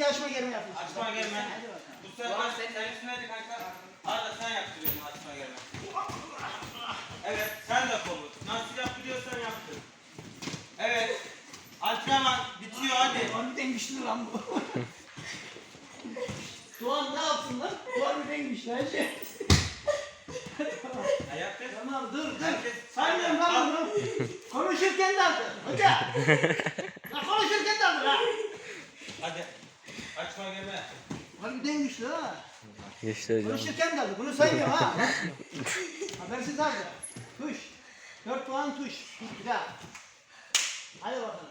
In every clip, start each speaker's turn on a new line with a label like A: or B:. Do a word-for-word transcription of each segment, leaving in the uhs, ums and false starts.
A: açma germe yapıyorsun.
B: Açma germe. Bu sefer sen üstüne de kanka. Arda sen yaptırıyorsun açma germe. Evet sen de kolu. Nasıl yaptırıyorsan yaptır. Evet. Antrenman bitiyor hadi.
A: Harbiden güçlü lan bu. Doğan ne yapsın lan? Harbiden güçlü her şey.
B: Ayakta.
A: Tamam dur dur.
B: Herkes-
A: Saymıyorum lan bunu. Konuşurken de aldı. Hoca. Ya konuşurken de aldı ha.
B: Hadi. Açma germe.
A: Harbiden güçlü ha.
C: Geçti hocam.
A: Konuşurken de aldı. Bunu saymıyorum ha. Habersiz aldı. Tuş. Dört puan tuş. Bir daha. Hadi bakalım.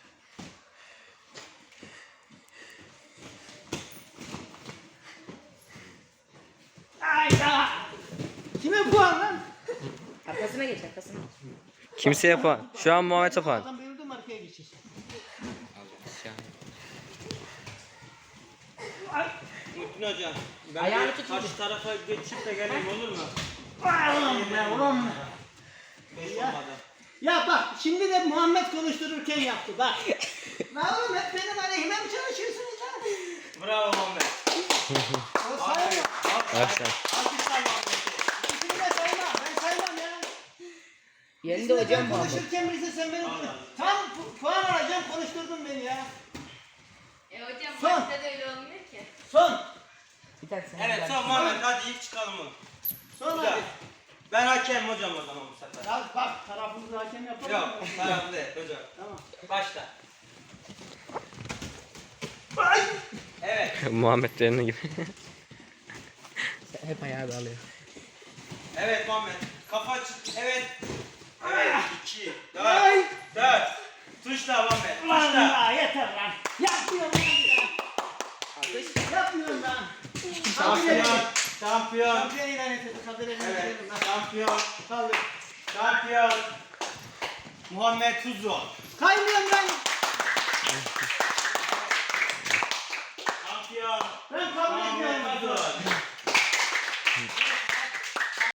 A: Ayda. Kime puan lan?
D: Arkasına geç arkasına.
C: Kimse yapan. Şu an Muhammed yapan.
A: Adam bayıldı mı arkaya geçecek.
B: Muhittin hocam. Ben
D: Ayağını
B: bir
D: tut
B: karşı tarafa geçip de geleyim olur mu?
A: Ulan be ulan.
B: Beş
A: Ya.
B: olmadı.
A: Ya bak şimdi de Muhammed konuştururken yaptı bak. Lan oğlum hep benim aleyhime mi çalışıyorsunuz ha?
B: Bravo Muhammed.
A: O sayma.
C: Başla.
B: Alkışlar Muhammed'i.
A: İkisini de sayma. Ben saymam ya.
D: Yerinde
A: İkisini de
D: hocam
A: ben
D: bu ama.
A: konuşurken birisi sen beni
B: Allah.
A: tam pu- puan alacağım konuşturdun beni ya.
E: E hocam
A: Son.
E: maçta da öyle olmuyor ki.
A: Son.
D: Bir tane sen.
B: Evet son Muhammed hadi ilk çıkalım mı?
A: Son
B: Bir daha.
A: hadi.
B: Ben hakem hocam o zaman bu sefer.
A: Ya bak tarafımızı hakem yapalım.
B: Yok taraflı değil hocam.
A: Tamam.
B: Başla.
A: Ay.
B: Evet.
C: Muhammed Derni gibi.
D: Hep ayağı bağlıyor.
B: Evet Muhammed. Kafa çık. Evet. Evet. iki. Dört.
A: Ay.
B: Dört. Tuşla Muhammed.
A: Ulan
B: Tuşla.
A: ya yeter lan. Yapmıyorum lan ya. Yapmıyorum lan.
B: Şampiyon. Şampiyon.
A: Şampiyon ilan edildi. Kadir elini
B: Evet.
A: verelim lan.
B: Şampiyon.
A: Kaldır.
B: Şampiyon. Muhammed Tuzlu.
A: Kaymıyorum ben.
B: Şampiyon.
A: Ben kabul
B: Muhammed
A: etmiyorum.
B: Tuzlu.